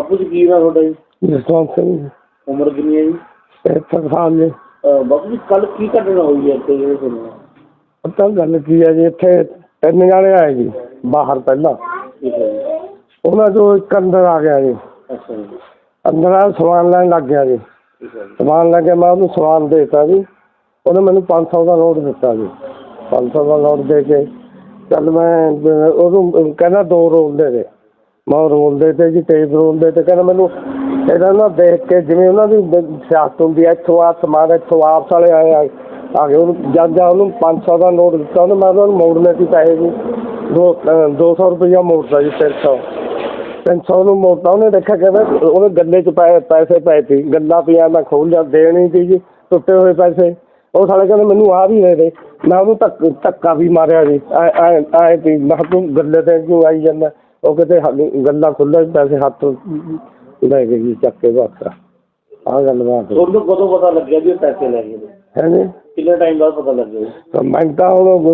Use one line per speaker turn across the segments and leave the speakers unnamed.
ਬਾਪੂ ਜੀ ਕੀ ਨਾਮ ਤੁਹਾਡਾ ਜੀ?
ਜਸਵੰਤ ਸਿੰਘ।
ਉਮਰ ਕਿੰਨੀ ਹੈ ਜੀ?
73 ਸਾਲ ਜੀ।
ਬਾਪੂ ਜੀ ਕੱਲ ਕੀ ਘਟਨਾ ਹੋਈ ਹੈ ਇੱਥੇ ਜਿਹੜੇ ਸੁਣਿਆ?
ਪਤਾ ਗੱਲ ਕੀ ਹੈ ਜੀ, ਇੱਥੇ 3 ਜਾਣੇ ਆਏ ਜੀ ਬਾਹਰ ਪਹਿਲਾਂ।
ਠੀਕ ਹੈ ਜੀ।
ਉਹਨਾਂ ਚੋਂ ਇੱਕ ਅੰਦਰ ਆ ਗਿਆ ਜੀ।
ਅੱਛਾ ਜੀ।
ਅੰਦਰ ਆ ਸਮਾਨ ਲੈਣ ਲੱਗ ਗਿਆ ਜੀ।
ਠੀਕ ਹੈ ਜੀ।
ਸਮਾਨ ਲੈ ਕੇ ਮੈਂ ਉਹਨੂੰ ਸਮਾਨ ਦੇ ਦਿੱਤਾ ਜੀ। ਉਹਨੇ ਮੈਨੂੰ 500 ਦਾ ਨੋਟ ਦਿੱਤਾ ਜੀ। 500 ਦਾ ਨੋਟ ਦੇ ਕੇ ਚੱਲ ਮੈਂ ਉਹਨੂੰ ਕਹਿੰਦਾ 2 ਰੋਲ ਦੇ ਦੇ। ਮੈਂ ਰੋਲ ਦੇ ਤੇ ਜੀ, ਟੇਪ ਰੋਲ ਦੇ ਤੇ ਕਹਿੰਦਾ ਮੈਨੂੰ ਇਹਦਾ ਨਾ ਦੇਖ ਕੇ ਜਿਵੇਂ ਉਹਨਾਂ ਦੀ ਸਿਆਸਤ ਹੁੰਦੀ ਹੈ, ਇੱਥੋਂ ਆ ਸਮਾਨ ਇੱਥੋਂ ਆਪਸ ਵਾਲੇ ਆਏ ਆ ਗਏ। ਉਹਨੂੰ ਜਦ ਉਹਨੂੰ 500 ਦਾ ਨੋਟ ਦਿੱਤਾ ਉਹਨੇ, ਮੈਂ ਉਹਨੂੰ ਮੋੜਨੇ ਸੀ ਪੈਸੇ ਜੀ। 200 ਰੁਪਈਆ ਮੋੜਦਾ ਜੀ। 300 ਨੂੰ ਮੋੜਤਾ ਉਹਨੇ। ਦੇਖਿਆ ਕਹਿੰਦਾ ਉਹਨੇ ਗੱਲੇ 'ਚ ਪੈਸੇ ਪਏ ਸੀ, ਗੱਲਾਂ ਪਿਆ। ਮੈਂ ਖੋਲ ਲਿਆ, ਦੇਣੀ ਸੀ ਜੀ ਟੁੱਟੇ ਹੋਏ ਪੈਸੇ। ਉਹ ਸਾਲੇ ਕਹਿੰਦੇ ਮੈਨੂੰ ਆਹ ਵੀ ਦੇ ਦੇ। ਮੈਂ ਉਹਨੂੰ ਧੱਕਾ ਵੀ ਮਾਰਿਆ ਜੀ। ਐਂ ਸੀ ਮੈਂ ਕਿਹਾ ਤੂੰ ਗੱਲੇ 'ਤੇ ਕਿਉਂ ਆਈ ਜਾਂਦਾ? ਉਹ ਕਿਤੇ ਗੱਲਾਂ ਖੁੱਲ੍ਹਾ ਪੈਸੇ ਹੱਥ ਲੈ ਗਏ ਜੀ, ਚੱਕ ਕੇ ਬਸ। ਆਹ ਗੱਲ ਬਾਤ।
ਤੁਹਾਨੂੰ ਕਦੋਂ ਪਤਾ ਲੱਗਿਆ ਵੀ ਇਹ ਪੈਸੇ ਲੈ ਗਏ?
ਹੈ ਜੀ।
ਕਿੰਨੇ ਟਾਈਮ ਬਾਅਦ ਪਤਾ ਲੱਗਿਆ ਜੀ?
ਮੈਂ ਤਾਂ ਉਹ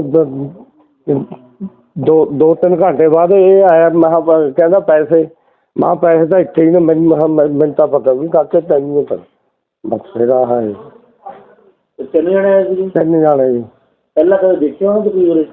2-3 ਘੰਟੇ ਬਾਅਦ ਇਹ ਆਇਆ। ਮੈਂ ਕਿਹਾ ਕਹਿੰਦਾ ਪੈਸੇ। ਮੈਂ ਪੈਸੇ ਤਾਂ ਇੱਥੇ ਹੀ ਨੇ। ਮੈਨੂੰ ਤਾਂ ਪਤਾ ਵੀ ਕਾਕੇ ਤੈਨੂੰ ਨਹੀਂ ਪਤਾ। ਬਸ ਫਿਰ ਆਹ ਹੈ।
ਤਿੰਨ ਜਣੇ ਆਏ ਸੀ ਜੀ?
3 ਜਾਣੇ ਜੀ।
ਪਹਿਲਾਂ ਕਦੇ ਦੇਖਿਆ ਉਹਨਾਂ ਤੁਸੀਂ ਉਰੇ?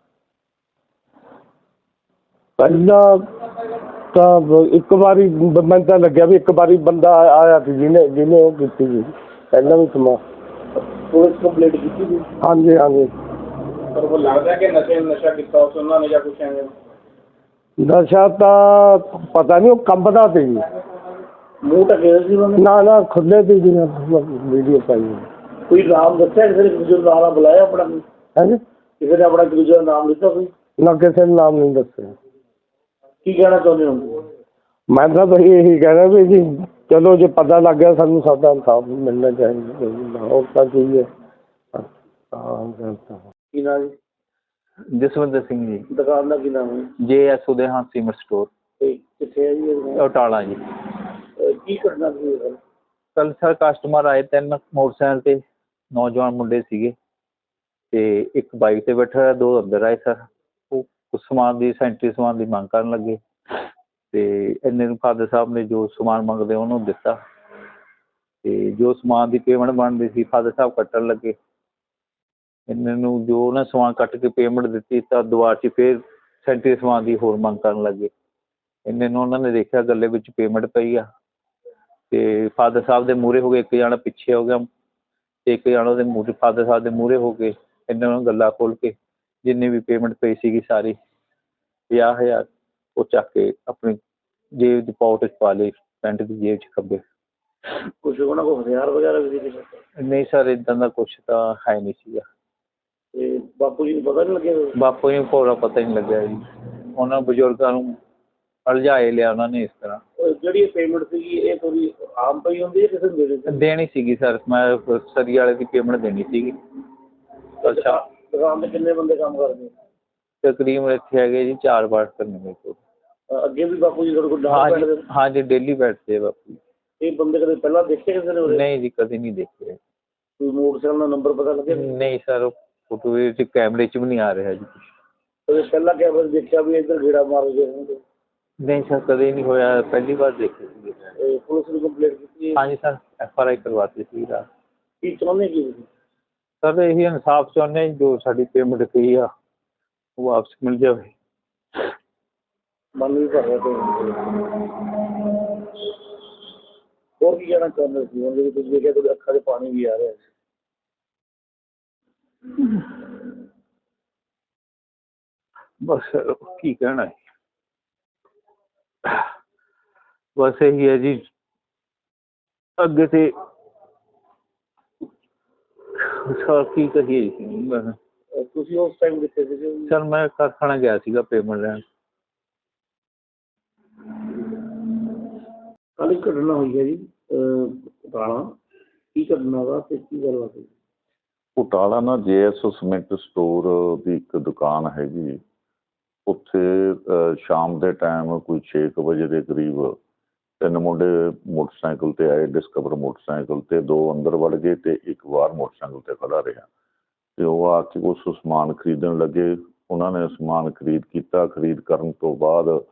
ਪਹਿਲਾਂ ਤਾਂ ਇੱਕ ਵਾਰੀ ਮੈਨੂੰ ਤਾਂ ਲੱਗਿਆ ਵੀ ਇੱਕ ਵਾਰੀ ਬੰਦਾ ਆਇਆ ਸੀ ਜਿਹਨੇ ਉਹ ਕੀਤੀ ਜੀ ਪਹਿਲਾਂ ਵੀ ਸਮਾਂ।
ਪੁਲਿਸ ਕੰਪਲੇਂਟ ਕੀਤੀ ਸੀ?
ਹਾਂਜੀ ਹਾਂਜੀ।
ਪਰ ਉਹ ਲੱਗਦਾ ਕਿ ਨਸ਼ਾ ਕੀਤਾ ਉਸ ਉਹਨਾਂ ਨੇ ਜਾਂ ਕੁਛ ਐਵੇਂ?
ਨਸ਼ਾ ਤਾਂ ਪਤਾ ਨਹੀਂ, ਉਹ ਕੰਬਦਾ ਸੀ ਜੀ।
ਮੂੰਹ ਢੱਕਿਆ ਸੀ ਉਹਨਾਂ ਨੇ?
ਨਾ ਖੁੱਲੇ ਸੀ ਜੀ। ਵੀਡੀਓ ਪਾਈ।
ਕੋਈ ਨਾਮ ਦੱਸਿਆ ਕਿਸੇ ਨੇ? ਦੂਜੇ ਨੂੰ ਨਾਮ ਬੁਲਾਇਆ ਆਪਣਾ?
ਹਾਂਜੀ।
ਕਿਸੇ ਨੇ ਆਪਣਾ ਦੂਜੇ ਦਾ ਨਾਮ ਲਿੱਤਾ ਕੋਈ?
ਨਾ ਕਿਸੇ ਨੇ ਨਾਮ ਨਹੀਂ ਦੱਸਿਆ।
ਕੀ ਕਹਿਣਾ ਚਾਹੁੰਦੇ ਹੋ?
ਮੈਂ ਤਾਂ ਬਈ ਇਹੀ ਕਹਿਣਾ ਵੀ ਜੀ ਚਲੋ ਜੇ ਪਤਾ ਲੱਗ ਗਿਆ ਸਾਨੂੰ ਸਾਡਾ ਇਨਸਾਫ ਮਿਲਣਾ ਚਾਹੀਦਾ। ਹੋਰ ਤਾਂ ਕੀ ਹੈ।
ਕੀ ਨਾਮ ਜੀ?
ਜਸਵਿੰਦਰ ਸਿੰਘ ਜੀ।
ਦੁਕਾਨ ਦਾ ਕੀ ਨਾਮ ਹੈ?
JS ਉਦੇਹਾਨ ਸੀਮੈਂਟ ਸਟੋਰ।
ਕਿੱਥੇ ਹੈ ਜੀ?
ਬਟਾਲਾ ਜੀ।
ਕੀ ਕਰਨਾ ਸੀ?
ਕੱਲ ਸਰ ਕਸਟਮਰ ਆਏ 3 ਮੋਟਰਸਾਈਕਲ ਤੇ ਨੌਜਵਾਨ ਮੁੰਡੇ ਸੀਗੇ ਤੇ ਇੱਕ ਬਾਈਕ ਤੇ ਬੈਠਾ, 2 ਅੰਦਰ ਆਏ ਸਰ। ਉਹ ਕੁਛ ਸਮਾਨ ਦੀ ਸੈਂਟਰੀ ਸਮਾਨ ਦੀ ਮੰਗ ਕਰਨ ਲੱਗੇ ਤੇ ਇੰਨੇ ਨੂੰ ਫਾਦਰ ਸਾਹਿਬ ਨੇ ਜੋ ਸਮਾਨ ਮੰਗਦੇ ਉਹਨੂੰ ਦਿੱਤਾ ਤੇ ਜੋ ਸਮਾਨ ਦੀ ਪੇਮੈਂਟ ਬਣਦੀ ਸੀ ਫਾਦਰ ਸਾਹਿਬ ਕੱਟਣ ਲੱਗੇ। ਇੰਨੇ ਨੂੰ ਜੋ ਉਹਨਾਂ ਸਮਾਨ ਕੱਟ ਕੇ ਪੇਮੈਂਟ ਦਿੱਤੀ ਤਾਂ ਦੁਬਾਰਾ 'ਚ ਫਿਰ ਸੈਂਟਰੀ ਸਮਾਨ ਦੀ ਹੋਰ ਮੰਗ ਕਰਨ ਲੱਗੇ। ਇੰਨੇ ਨੂੰ ਉਹਨਾਂ ਨੇ ਦੇਖਿਆ ਗੱਲੇ ਵਿੱਚ ਪੇਮੈਂਟ ਪਈ ਆ ਤੇ ਫਾਦਰ ਸਾਹਿਬ ਦੇ ਮੂਹਰੇ ਹੋ ਗਏ। ਇੱਕ ਜਾਣਾ ਪਿੱਛੇ ਹੋ ਗਿਆ ਤੇ ਇੱਕ ਜਾਣਾ ਉਹਦੇ ਮੂਹਰੇ ਫਾਦਰ ਸਾਹਿਬ ਦੇ ਮੂਹਰੇ ਹੋ ਕੇ ਇਹਨਾਂ ਨੂੰ ਗੱਲਾਂ ਖੋਲ੍ਹ ਕੇ ਜਿੰਨੀ ਵੀ ਪੇਮੈਂਟ ਪਈ ਸੀਗੀ ਸਾਰੀ 50,000 ਉਹ ਚੱਕ ਕੇ ਆਪਣੀ ਜੇਬ ਦੀ ਪਾਕਟ 'ਚ ਪਾ ਲਈ, ਪੈਂਟ ਦੀ ਜੇਬ 'ਚ ਖੱਬੇ।
ਕੁਛ ਉਹਨਾਂ ਕੋਲ ਹਥਿਆਰ ਵਗੈਰਾ ਵੀ ਸੀ?
ਨਹੀਂ ਸਰ ਇੱਦਾਂ ਦਾ ਕੁਛ ਤਾਂ ਹੈ ਨਹੀਂ ਸੀਗਾ।
ਤੇ ਬਾਪੂ ਜੀ ਨੂੰ ਪਤਾ ਨਹੀਂ ਲੱਗਿਆ?
ਬਾਪੂ ਜੀ ਨੂੰ ਭੋਰਾ ਪਤਾ ਹੀ ਨਹੀਂ ਲੱਗਿਆ ਜੀ। ਉਹਨਾਂ ਬਜ਼ੁਰਗਾਂ ਨੂੰ ਉਲਝਾਏ ਲਿਆ ਉਹਨਾਂ ਨੇ ਇਸ ਤਰ੍ਹਾਂ।
ਜਿਹੜੀ ਪੇਮੈਂਟ ਸੀਗੀ ਇਹ ਥੋੜੀ ਆਮ ਪਈ ਹੁੰਦੀ ਹੈ ਕਿਸੇ ਨੂੰ ਦੇਣੀ?
ਦੇਣੀ ਸੀਗੀ ਸਰ। ਮੈਂ ਸਰੀ ਵਾਲੇ ਦੀ ਪੇਮੈਂਟ ਦੇਣੀ ਸੀਗੀ। ਅੱਛਾ।
ਦੁਕਾਨ 'ਤੇ ਕਿੰਨੇ ਬੰਦੇ ਕੰਮ ਕਰਦੇ?
ਤਕਰੀਬਨ ਇੱਥੇ ਹੈਗੇ ਜੀ 4 ਵਰਕਰ ਨੇ ਮੇਰੇ ਕੋਲ।
ਅੱਗੇ ਵੀ ਬਾਪੂ ਜੀ ਤੁਹਾਡੇ ਕੋਲ ਨਾਲ ਬੈਠਦੇ?
ਹਾਂਜੀ ਡੇਲੀ ਬੈਠਦੇ ਬਾਪੂ।
ਇਹ ਬੰਦੇ ਕਦੇ ਪਹਿਲਾਂ ਦੇਖੇ ਕਿਸੇ ਨੇ?
ਨਹੀਂ ਜੀ ਕਦੇ ਨਹੀਂ ਦੇਖੇ।
ਕੋਈ ਮੋਟਰਸਾਈਕਲ ਦਾ ਨੰਬਰ ਪਤਾ ਲੱਗਿਆ?
ਨਹੀਂ ਸਰ ਫੋਟੋ ਵਿੱਚ ਕੈਮਰੇ 'ਚ ਵੀ ਨਹੀਂ ਆ ਰਿਹਾ ਜੀ ਕੁਛ।
ਕਦੇ ਪਹਿਲਾਂ ਕੈਮਰੇ ਦੇਖਿਆ ਵੀ ਇੱਧਰ ਗੇੜਾ ਮਾਰ ਗਏ?
ਨਹੀਂ ਸਰ ਕਦੇ ਨਹੀਂ ਹੋਇਆ, ਪਹਿਲੀ ਵਾਰ ਦੇਖੇ ਸੀ।
ਪੁਲਿਸ ਨੂੰ ਕੰਪਲੇਂਟ ਕੀਤੀ?
ਹਾਂਜੀ ਸਰ FRI ਕਰਵਾਤੀ ਸੀ ਰਾਤ।
ਕੀ ਚਾਹੁੰਦੇ ਕੀ ਤੁਸੀਂ?
ਸਰ ਇਹੀ ਇਨਸਾਫ ਚਾਹੁੰਦੇ ਜੋ ਸਾਡੀ ਪੇਮੈਂਟ ਪਈ ਆ ਉਹ ਵਾਪਸ ਮਿਲ ਜਾਵੇ।
ਮਨ ਵੀ ਭਰ ਰਿਹਾ ਤੇ ਹੋਰ ਕੀ ਕਹਿਣਾ ਚਾਹੁੰਦੇ ਸੀ? ਹੁਣ ਤੁਸੀਂ ਦੇਖਿਆ ਤੁਹਾਡੀ ਅੱਖਾਂ 'ਚ ਪਾਣੀ ਵੀ ਆ ਰਿਹਾ।
ਬਸ ਕੀ ਕਹਿਣਾ ਹੈ, ਬਸ ਇਹੀ ਹੈ ਜੀ ਅੱਗੇ ਤੇ ਸਰ ਕੀ ਕਹੀਏ ਜੀ।
ਤੁਸੀਂ ਉਸ ਟਾਈਮ ਕਿੱਥੇ ਸੀਗੇ?
ਸਰ ਮੈਂ ਕਾਰਖਾਨਾ ਗਿਆ ਸੀਗਾ ਪੇਮੈਂਟ ਲੈਣ।
ਕੱਲ੍ਹ ਇੱਕ ਘਟਨਾ ਹੋਈ ਹੈ ਜੀ ਬਟਾਲਾ। ਕੀ ਘਟਨਾ ਵਾ ਅਤੇ ਕੀ ਗੱਲਬਾਤ ਹੋਈ?
ਬਟਾਲਾ ਨਾ JS ਸੀਮੈਂਟ ਸਟੋਰ ਦੀ ਇੱਕ ਦੁਕਾਨ ਹੈਗੀ। ਉੱਥੇ ਸ਼ਾਮ ਦੇ ਟਾਈਮ ਕੋਈ 6 ਵਜੇ ਦੇ ਕਰੀਬ 3 ਮੁੰਡੇ ਮੋਟਰਸਾਈਕਲ 'ਤੇ ਆਏ, ਡਿਸਕਵਰ ਮੋਟਰਸਾਈਕਲ 'ਤੇ। 2 ਅੰਦਰ ਵੜ ਗਏ ਅਤੇ ਇੱਕ ਬਾਹਰ ਮੋਟਰਸਾਈਕਲ 'ਤੇ ਖੜ੍ਹਾ ਰਿਹਾ ਅਤੇ ਉਹ ਆ ਕੇ ਉਸ ਸਮਾਨ ਖਰੀਦਣ ਲੱਗੇ। ਉਹਨਾਂ ਨੇ ਸਮਾਨ ਖਰੀਦ ਕੀਤਾ। ਖਰੀਦ ਕਰਨ ਤੋਂ ਬਾਅਦ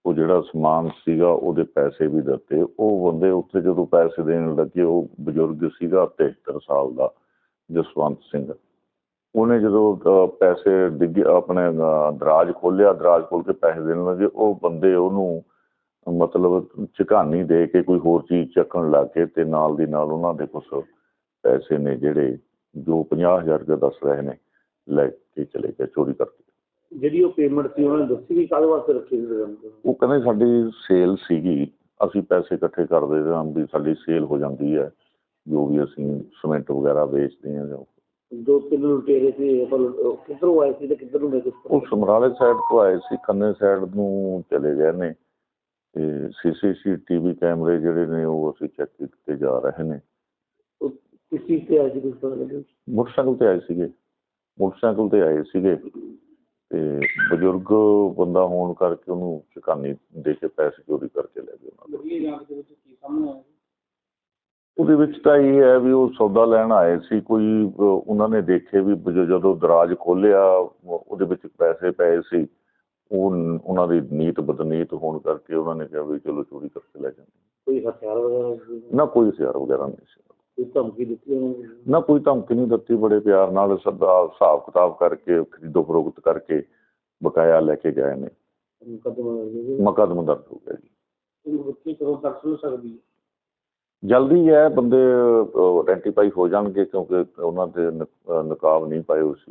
ਉਹ ਜਿਹੜਾ ਸਮਾਨ ਸੀਗਾ ਉਹਦੇ ਪੈਸੇ ਵੀ ਦਿੱਤੇ। ਉਹ ਬੰਦੇ ਉੱਥੇ ਜਦੋਂ ਪੈਸੇ ਦੇਣ ਲੱਗੇ, ਉਹ ਬਜ਼ੁਰਗ ਸੀਗਾ 73 ਸਾਲ ਦਾ ਜਸਵੰਤ ਸਿੰਘ। ਉਹਨੇ ਜਦੋਂ ਪੈਸੇ ਡਿੱਗੇ ਆਪਣੇ ਦਰਾਜ ਖੋਲ੍ਹਿਆ, ਦਰਾਜ ਖੋਲ੍ਹ ਕੇ ਪੈਸੇ ਦੇਣ ਲੱਗੇ, ਉਹ ਬੰਦੇ ਉਹਨੂੰ ਮਤਲਬ ਝਕਾਨੀ ਦੇ ਕੇ ਕੋਈ ਹੋਰ ਚੀਜ਼ ਚੱਕਣ ਲੱਗ ਗਏ ਅਤੇ ਨਾਲ ਦੀ ਨਾਲ ਉਹਨਾਂ ਦੇ ਕੁਛ ਪੈਸੇ ਨੇ ਜਿਹੜੇ ਜੋ 50,000 ਰੁਪਏ ਦੱਸ ਰਹੇ ਨੇ ਲੈ ਕੇ ਚਲੇ ਗਏ ਚੋਰੀ ਕਰਕੇ।
ਜਿਹੜੀ ਉਹ ਪੇਮੈਂਟ ਸੀ ਉਹਨਾਂ ਨੇ ਦੱਸੀ ਵੀ ਕਾਹਦੇ ਵਾਸਤੇ ਰੱਖੀ ਸੀ?
ਉਹ ਕਹਿੰਦੇ ਸਾਡੀ ਸੇਲ ਸੀਗੀ, ਅਸੀਂ ਪੈਸੇ ਇਕੱਠੇ ਕਰਦੇ ਹਾਂ ਵੀ ਸਾਡੀ ਸੇਲ ਹੋ ਜਾਂਦੀ ਹੈ, ਜੋ ਵੀ ਅਸੀਂ ਸੀਮੈਂਟ ਵਗੈਰਾ ਵੇਚਦੇ ਹਾਂ।
ਜੋ 3 ਲੁਟੇਰੇ ਸੀ ਕਿੱਧਰੋਂ ਆਏ ਸੀ ਤੇ ਕਿੱਧਰ ਨੂੰ ਗਏ?
ਉਹ ਸਮਰਾਲੇ ਸਾਈਡ ਤੋਂ ਆਏ ਸੀ, ਖੰਨੇ ਸਾਈਡ ਨੂੰ ਚਲੇ ਗਏ ਨੇ ਅਤੇ CCTV ਕੈਮਰੇ ਜਿਹੜੇ ਨੇ ਉਹ ਅਸੀਂ ਚੈੱਕ ਕੀਤੇ ਜਾ ਰਹੇ ਨੇ।
ਕਿਸ ਚੀਜ਼ 'ਤੇ ਆਏ ਸੀ ਕੁਛ ਪਤਾ ਲੱਗਿਆ?
ਮੋਟਰਸਾਈਕਲ 'ਤੇ ਆਏ ਸੀਗੇ, ਮੋਟਰਸਾਈਕਲ 'ਤੇ ਆਏ ਸੀਗੇ ਅਤੇ ਬਜ਼ੁਰਗ ਬੰਦਾ ਹੋਣ ਕਰਕੇ ਉਹਨੂੰ ਝਕਾਨੀ ਦੇ ਕੇ ਪੈਸੇ ਚੋਰੀ ਕਰਕੇ ਲੈ ਗਏ ਉਹਨਾਂ ਦੇ।
ਜਾਂਚ ਦੇ ਵਿੱਚ ਕੀ ਸਾਹਮਣੇ ਆਇਆ?
ਉਹਦੇ ਵਿੱਚ ਤਾਂ ਇਹ ਹੈ ਵੀ ਉਹ ਸੌਦਾ ਲੈਣ ਆਏ ਸੀ ਕੋਈ, ਉਹਨਾਂ ਨੇ ਦੇਖੇ ਵੀ ਜਦੋਂ ਦਰਾਜ ਖੋਲ੍ਹਿਆ ਉਹਦੇ ਵਿੱਚ ਪੈਸੇ ਪਏ ਸੀ। ਉਹ ਉਹਨਾਂ ਦੀ ਨੀਤ ਬਦਨੀਤ ਹੋਣ ਕਰਕੇ ਉਹਨਾਂ ਨੇ ਕਿਹਾ ਵੀ ਚਲੋ ਚੋਰੀ ਕਰਕੇ ਲੈ ਜਾਂਦੇ।
ਕੋਈ ਹਥਿਆਰ ਵਗੈਰਾ ਸੀ?
ਨਾ ਕੋਈ ਹਥਿਆਰ ਵਗੈਰਾ ਨਹੀਂ ਸੀ।
ਕੋਈ ਧਮਕੀ ਦਿੱਤੀ ਉਹਨਾਂ ਨੇ?
ਨਾ ਕੋਈ ਧਮਕੀ ਨਹੀਂ ਦਿੱਤੀ, ਬੜੇ ਪਿਆਰ ਨਾਲ ਸਦਾ ਹਿਸਾਬ ਕਿਤਾਬ ਕਰਕੇ ਖਰੀਦੋ ਫਰੋਖਤ ਕਰਕੇ ਬਕਾਇਆ ਲੈ ਕੇ ਗਏ ਨੇ। ਮੁਕੱਦਮਾ ਦਰਜ ਹੋ ਗਿਆ ਜੀ।
ਬੱਚੇ ਕਦੋਂ ਤੱਕ ਸੁਣ ਸਕਦੀ ਹੈ?
ਜਲਦੀ ਹੈ, ਬੰਦੇ ਆਇਡੈਂਟੀਫਾਈ ਹੋ ਜਾਣਗੇ ਕਿਉਂਕਿ ਉਹਨਾਂ ਦੇ ਨਕਾਬ ਨਹੀਂ ਪਾਏ ਹੋਏ ਸੀ।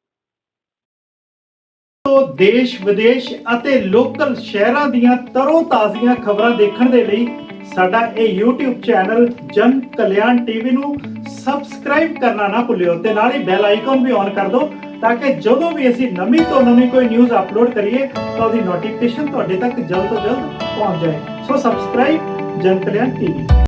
ਦੇਸ਼ ਵਿਦੇਸ਼ ਅਤੇ ਲੋਕਲ ਸ਼ਹਿਰਾਂ ਦੀਆਂ ਤਰੋ ਤਾਜ਼ੀਆਂ ਖਬਰਾਂ ਦੇਖਣ ਦੇ ਲਈ ਸਾਡਾ ਇਹ YouTube ਚੈਨਲ ਜਨ ਕਲਿਆਣ TV ਨੂੰ ਸਬਸਕ੍ਰਾਈਬ ਕਰਨਾ ਨਾ ਭੁੱਲਿਓ ਤੇ ਨਾਲ ਹੀ ਬੈਲ ਆਈਕਨ ਵੀ ਔਨ ਕਰ ਦਿਓ ਤਾਂ ਕਿ ਜਦੋਂ ਵੀ ਅਸੀਂ ਨਵੀਂ ਤੋਂ ਨਵੀਂ ਕੋਈ ਨਿਊਜ਼ ਅਪਲੋਡ ਕਰੀਏ ਤਾਂ ਉਹਦੀ ਨੋਟੀਫਿਕੇਸ਼ਨ ਤੁਹਾਡੇ ਤੱਕ ਜਲਦ ਤੋਂ ਜਲਦ ਪਹੁੰਚ ਜਾਏ। ਸੋ ਸਬਸਕ੍ਰਾਈਬ ਜਨ ਕਲਿਆਣ TV।